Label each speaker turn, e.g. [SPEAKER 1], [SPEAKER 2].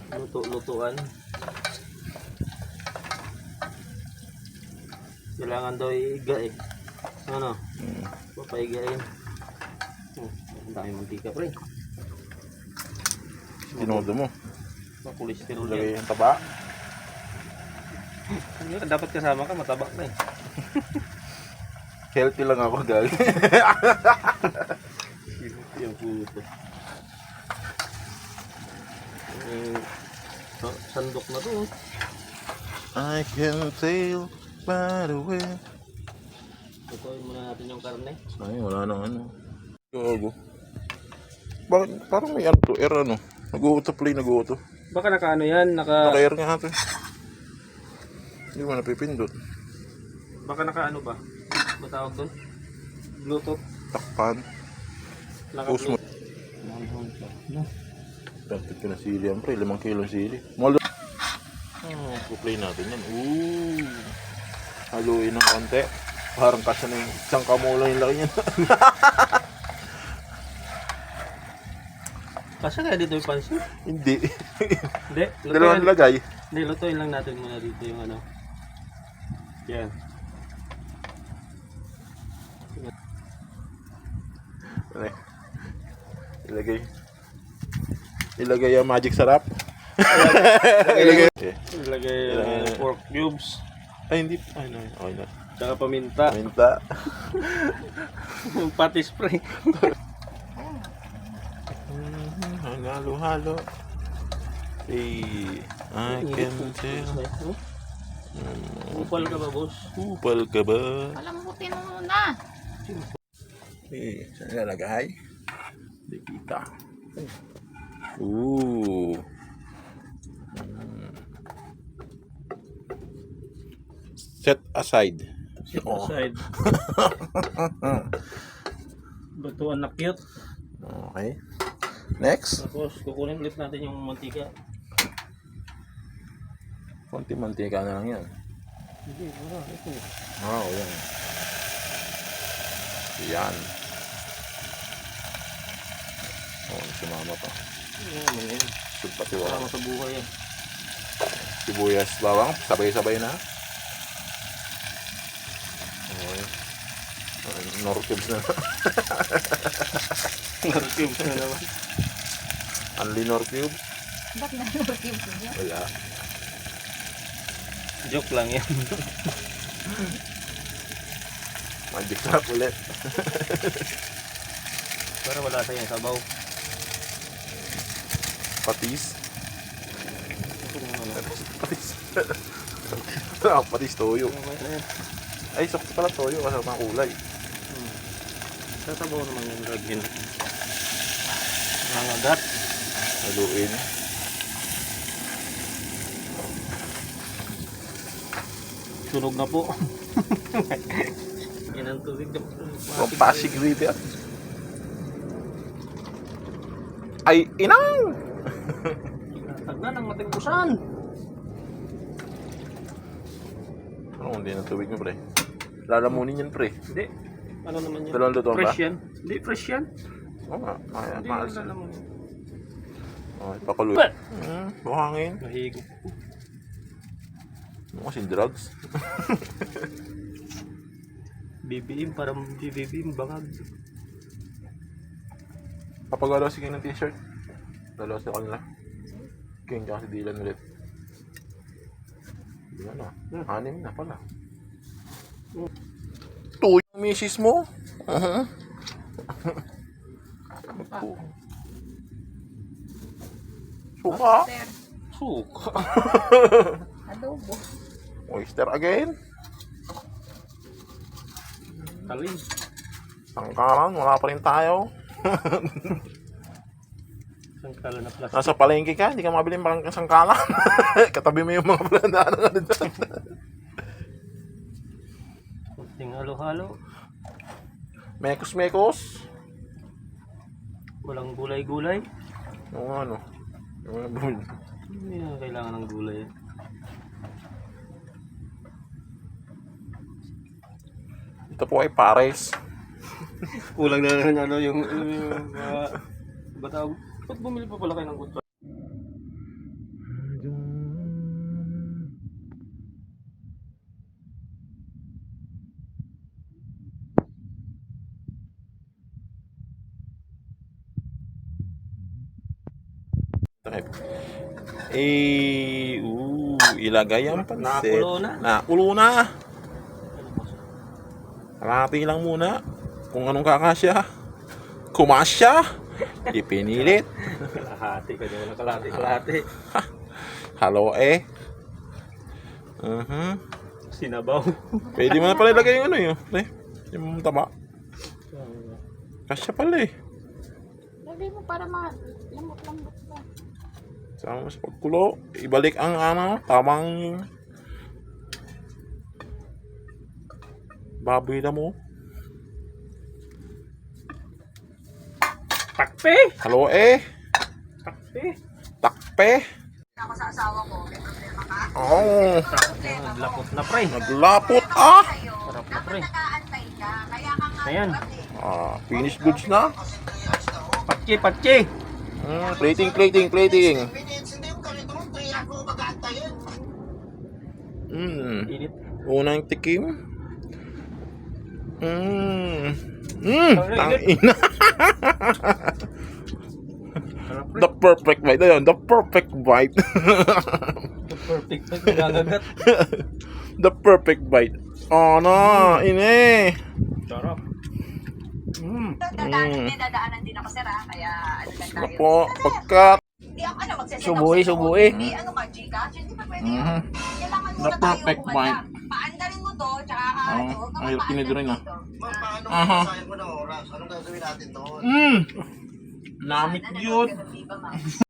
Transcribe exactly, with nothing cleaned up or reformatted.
[SPEAKER 1] luto-lutuan. Kailangan daw iiga eh. Ano?
[SPEAKER 2] Hmm.
[SPEAKER 1] Papaigain. Oh, ang dami mantika pre.
[SPEAKER 2] Tinodo mo.
[SPEAKER 1] Makolesterol
[SPEAKER 2] Lagay
[SPEAKER 1] yan.
[SPEAKER 2] yung taba.
[SPEAKER 1] Dapat kasama ka, mataba ka eh.
[SPEAKER 2] Healthy lang ako, galing.
[SPEAKER 1] Yung puto. Eh, oh, sandok na to.
[SPEAKER 2] I can tell by the way.
[SPEAKER 1] Tutuin muna natin yung karne.
[SPEAKER 2] Ay, wala nang ano. Gago. Bakit? Parang may ano to, air ano. Nag-uuto play, nag-uuto.
[SPEAKER 1] Baka naka ano yan, naka...
[SPEAKER 2] Naka-air nga ito. Hindi mo napipindot.
[SPEAKER 1] Baka naka ano ba? Matawag doon? Bluetooth.
[SPEAKER 2] Takpan.
[SPEAKER 1] Naka
[SPEAKER 2] Post mo.
[SPEAKER 1] No.
[SPEAKER 2] Tapit ka na sili yan, pre. Limang kilong sili. Malo. Oh, play natin yan. Ooh. Haluin ng konti. Parang kasya na yung isang kamula yung laki niya.
[SPEAKER 1] Kasi kaya dito yung pansin?
[SPEAKER 2] Hindi.
[SPEAKER 1] Hindi.
[SPEAKER 2] Dalawang
[SPEAKER 1] lutuin-
[SPEAKER 2] lagay.
[SPEAKER 1] Hindi, lutuin lang natin muna dito yung ano. Yan.
[SPEAKER 2] Ano eh? Ilagay. Ilagay ang magic sarap. Ilagay. Okay.
[SPEAKER 1] Ilagay yung
[SPEAKER 2] Ilagay.
[SPEAKER 1] pork cubes.
[SPEAKER 2] Ay, hindi. Ay, no. Okay na.
[SPEAKER 1] Tsaka paminta.
[SPEAKER 2] Minta.
[SPEAKER 1] Pati spray.
[SPEAKER 2] Halo-halo. Hey, I can tell.
[SPEAKER 1] Upal ka ba, boss?
[SPEAKER 2] Upal ka ba?
[SPEAKER 3] Palambutin mo muna.
[SPEAKER 2] Eh, saan nalagay? Hindi kita. Ooh. Mm. Set aside.
[SPEAKER 1] Sit
[SPEAKER 2] Oh.
[SPEAKER 1] aside. Lutuan na cute.
[SPEAKER 2] Okay. Next.
[SPEAKER 1] Tapos kukunin ulit natin yung mantika.
[SPEAKER 2] Konti mantika na lang yan.
[SPEAKER 1] Hindi, wala. Ito.
[SPEAKER 2] Ah, oh, yan. Yan. Oh, si mama pa.
[SPEAKER 1] Ano naman yan?
[SPEAKER 2] Pati
[SPEAKER 1] Wala
[SPEAKER 2] wala.
[SPEAKER 1] mo sa buhay yan.
[SPEAKER 2] Sibuyas, bawang, sabay-sabay na. Okay. Nor cubes na.
[SPEAKER 1] Narcube na naman.
[SPEAKER 2] Only nor cube?
[SPEAKER 3] Ba't nanurkim ko niya?
[SPEAKER 2] Wala.
[SPEAKER 1] Joke lang yan.
[SPEAKER 2] Magic trap ulit.
[SPEAKER 1] Pero wala sa yan, sabaw.
[SPEAKER 2] Patis.
[SPEAKER 1] Ito na naman.
[SPEAKER 2] Patis. Ah, patis toyo.
[SPEAKER 1] Okay na yan.
[SPEAKER 2] Ay, sakto pala toyo kasi ang kulay.
[SPEAKER 1] Hmm. Sasabaw naman yung gagawin. Nangagat.
[SPEAKER 2] Haluin.
[SPEAKER 1] Sunog na po. Yan ang tubig.
[SPEAKER 2] From Pasig River. Ay, inang!
[SPEAKER 1] Tag na ng matimbusan.
[SPEAKER 2] Ano hindi ng tubig mo, pre? Lalamunin yan, pre.
[SPEAKER 1] Hindi. Ano naman yan?
[SPEAKER 2] Dalawang luto ba?
[SPEAKER 1] Fresh yan. Hindi, fresh yan.
[SPEAKER 2] Oo nga. Ay,
[SPEAKER 1] Hindi
[SPEAKER 2] maas.
[SPEAKER 1] yan alam mo.
[SPEAKER 2] Oh, ipakuloy.
[SPEAKER 1] But-
[SPEAKER 2] Hmm, buhangin.
[SPEAKER 1] Nahigop po.
[SPEAKER 2] Ano kasing drugs?
[SPEAKER 1] B B M, parang B B M, bangag.
[SPEAKER 2] Papagalaw sige ng t-shirt. Dalawa sa kanila. King tsaka si Dylan ulit. Hindi na na. Anim na pala. Ito yung misis mo? Uh-huh. Suka.
[SPEAKER 3] Sir,
[SPEAKER 1] Suka.
[SPEAKER 3] adobo.
[SPEAKER 2] Oyster again.
[SPEAKER 1] Talim.
[SPEAKER 2] Sangkalan, wala pa rin tayo.
[SPEAKER 1] Sangkala na plastic.
[SPEAKER 2] Nasa palengke ka, hindi ka mabili ng sangkalan. Katabi mo yung mga planaan na ano dyan.
[SPEAKER 1] Kunting halo-halo.
[SPEAKER 2] Mekos-mekos.
[SPEAKER 1] Walang gulay-gulay.
[SPEAKER 2] Yung ano. Yung mga bumili.
[SPEAKER 1] Hindi na kailangan ng gulay.
[SPEAKER 2] Ito po ay pares.
[SPEAKER 1] Kulang na lang ano yung yung mga batawag. Ba't bumili pa pala kayo ng kutsara?
[SPEAKER 2] Takip. Eh, uh, ilagay ang pansit.
[SPEAKER 1] Nakulo na.
[SPEAKER 2] Nakulo na. Kalahati lang muna. Kung anong kakasya. Kumasya. Ipinilit.
[SPEAKER 1] Kalahati ka dyan. Kalahati, kalahati.
[SPEAKER 2] Halo eh. Uh-huh.
[SPEAKER 1] Sinabaw.
[SPEAKER 2] Pwede mo na pala ilagay yung ano yun. Eh, yung taba. Kasya pala eh.
[SPEAKER 3] Lagay mo para ma-lamot-lamot ka.
[SPEAKER 2] Sama sa pagkulo. Ibalik ang ano, tamang baboy na mo.
[SPEAKER 1] Takpe!
[SPEAKER 2] Halo eh.
[SPEAKER 1] Takpe!
[SPEAKER 2] Takpe.
[SPEAKER 3] Ako sa asawa ko, may problema ka?
[SPEAKER 2] Oh,
[SPEAKER 1] Naglapot na pre.
[SPEAKER 2] naglapot ah.
[SPEAKER 1] Sarap na pre.
[SPEAKER 3] Nakaantay ka, kaya ka nga.
[SPEAKER 1] Ayan.
[SPEAKER 2] Ah, finished goods na.
[SPEAKER 1] Patsi, patsi!
[SPEAKER 2] Mm, plating, plating, plating. Mm.
[SPEAKER 1] Init.
[SPEAKER 2] Unang tikim. Mm. Mm, tangina.
[SPEAKER 1] Sarap pre.
[SPEAKER 2] The perfect bite. Ayun, the perfect bite.
[SPEAKER 1] Perfect na nagagagat.
[SPEAKER 2] The perfect bite. Oh no, ini.
[SPEAKER 1] Sarap.
[SPEAKER 2] Mm.
[SPEAKER 3] Dadaanan, may dadaanan din ako, sir, ah. Kaya ano lang tayo.
[SPEAKER 2] Apo, pagkat
[SPEAKER 3] Hindi ako, ano, magsaset
[SPEAKER 1] Subuhi, subuhi.
[SPEAKER 3] Hindi, ano ka, Gcash? Hindi pa pwede yun.
[SPEAKER 2] Mhm.
[SPEAKER 3] Kailangan
[SPEAKER 2] The
[SPEAKER 3] muna tayo
[SPEAKER 2] perfect
[SPEAKER 3] kumanda.
[SPEAKER 2] bite.
[SPEAKER 3] Paandarin mo to, tsaka ka,
[SPEAKER 2] Oh,
[SPEAKER 3] ano,
[SPEAKER 2] ay,
[SPEAKER 3] papaandar
[SPEAKER 2] tinidrin
[SPEAKER 3] mo
[SPEAKER 2] ah.
[SPEAKER 3] dito.
[SPEAKER 4] Ma'am, paano
[SPEAKER 2] Aha.
[SPEAKER 4] kung sayang mo na oras? Anong gagawin natin doon?
[SPEAKER 2] Mm. Namit
[SPEAKER 3] Ano,
[SPEAKER 2] yun.
[SPEAKER 3] ganun, di ba, ma'am?